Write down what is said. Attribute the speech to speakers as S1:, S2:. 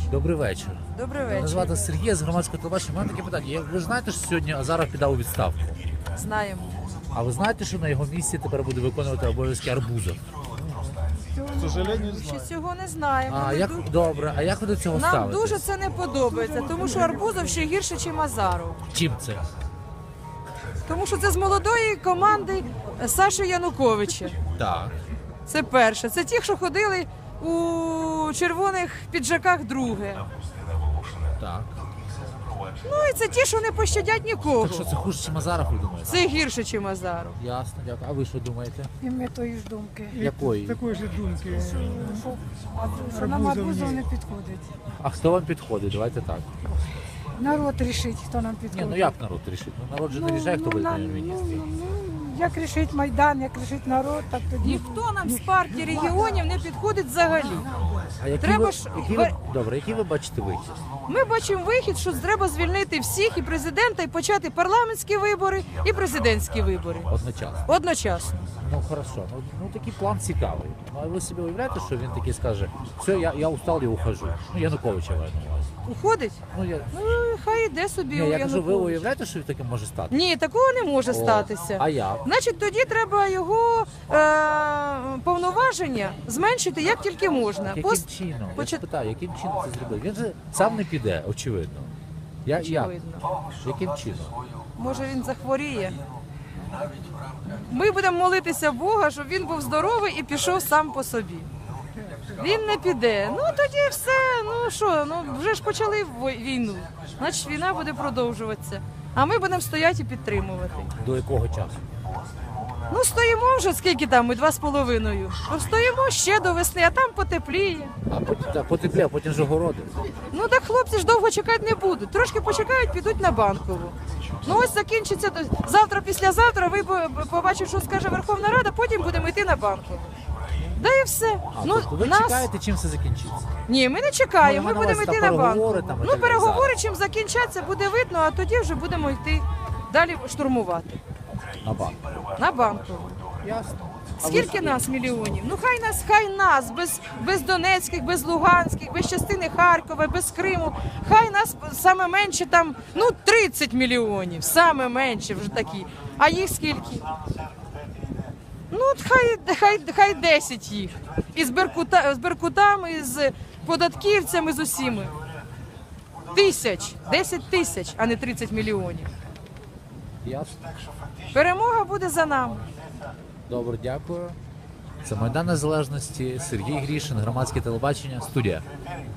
S1: Добрий вечір.
S2: Добрий
S1: Мене
S2: вечір.
S1: звати Сергій з громадського телебачення. У мене таке питання. Ви ж знаєте, що сьогодні Азаров підав у відставку?
S2: Знаємо.
S1: А ви знаєте, що на його місці тепер буде виконувати обов'язки Арбузов?
S2: Ще цього не знаємо.
S1: А як добре, а як ви до цього
S2: Нам
S1: ставитесь?
S2: дуже це не подобається, тому що Арбузов ще гірше, ніж Азаров.
S1: Чим це?
S2: Тому що це з молодої команди Саші Януковича.
S1: Так.
S2: Це перше. Це ті, що ходили у червоних піджаках, друге.
S1: Так.
S2: Ну і це ті, що не пощадять нікого.
S1: Так що це хуже, ніж Азаров, ви думаєте?
S2: Це гірше, ніж Азаров.
S1: Ясно, дякую. А ви що думаєте?
S3: І ми тої ж думки.
S1: Якої?
S4: Такої ж думки.
S3: Що нам Арбузов не підходить.
S1: А хто вам підходить? Давайте так.
S3: Народ рішить, хто нам
S1: Ні,
S3: підходить.
S1: ну як народ рішить? Ну народ же не рішає, хто буде
S3: нам-
S1: прем'єр-міністром.
S3: як рішить Майдан, як рішить народ, так тоді.
S2: Ніхто нам з партії регіонів не підходить взагалі.
S1: А які
S2: Треба
S1: ви,
S2: ж-
S1: які ви, добре, який ви бачите вихід?
S2: Ми бачимо вихід, що треба звільнити всіх і президента, і почати парламентські вибори, і президентські вибори.
S1: Одночасно.
S2: Одночасно.
S1: Ну хорошо, ну такий план цікавий. Ну а ви собі уявляєте, що він такий скаже, все, я устал, я ухожу. Ну Януковича маю на увазі.
S2: Уходить?
S1: Ну я
S2: Ну, хай йде собі
S1: ні,
S2: у
S1: я кажу, ви
S2: Януковича.
S1: уявляєте, що таке може стати?
S2: Ні, такого не може
S1: О,
S2: статися.
S1: А як?
S2: Значить, тоді треба його повноваження зменшити як тільки можна.
S1: Яким чином? Я
S2: почат-
S1: ж питаю, яким чином це зробити? Він же сам не піде, очевидно. Як?
S2: Очевидно.
S1: Яким чином?
S2: Може він захворіє. Ми будемо молитися Бога, щоб він був здоровий і пішов сам по собі. Він не піде. Ну тоді все. Ну що, ну вже ж почали війну. Значить, війна буде продовжуватися. А ми будемо стояти і підтримувати.
S1: До якого часу?
S2: Ну стоїмо вже скільки там, ми 2,5. Ну, стоїмо ще до весни, а там потепліє.
S1: А потім так, потеплє, а потім же городи.
S2: Ну так хлопці ж довго чекати не будуть. Трошки почекають, підуть на Банкову. Ну ось закінчиться завтра, післязавтра. Ви побачите, що скаже Верховна Рада, потім будемо йти на Банкову. Да і все.
S1: А, тобто ви чекаєте, чим це закінчиться?
S2: Ні, ми не чекаємо.
S1: Ну,
S2: Ми
S1: я маю
S2: будемо
S1: на увазі,
S2: йти на
S1: там переговори
S2: Банкову.
S1: там і
S2: Ну
S1: так далі.
S2: переговори, чим закінчаться, буде видно, а тоді вже будемо йти далі штурмувати.
S1: На банк.
S2: На Банкову.
S1: Ясно.
S2: Скільки нас мільйонів? Ну хай нас, без Донецьких, без Луганських, без частини Харкова, без Криму. Хай нас саме менше там, ну 30 мільйонів, саме менше вже такі. А їх скільки? Ну от хай 10 їх. І з Беркутами, і з податківцями, з усіми. 10 тисяч, а не 30 мільйонів.
S1: Ясно.
S2: Перемога буде за нами.
S1: Добре, дякую. Це Майдан Незалежності, Сергій Грішин, громадське телебачення, студія.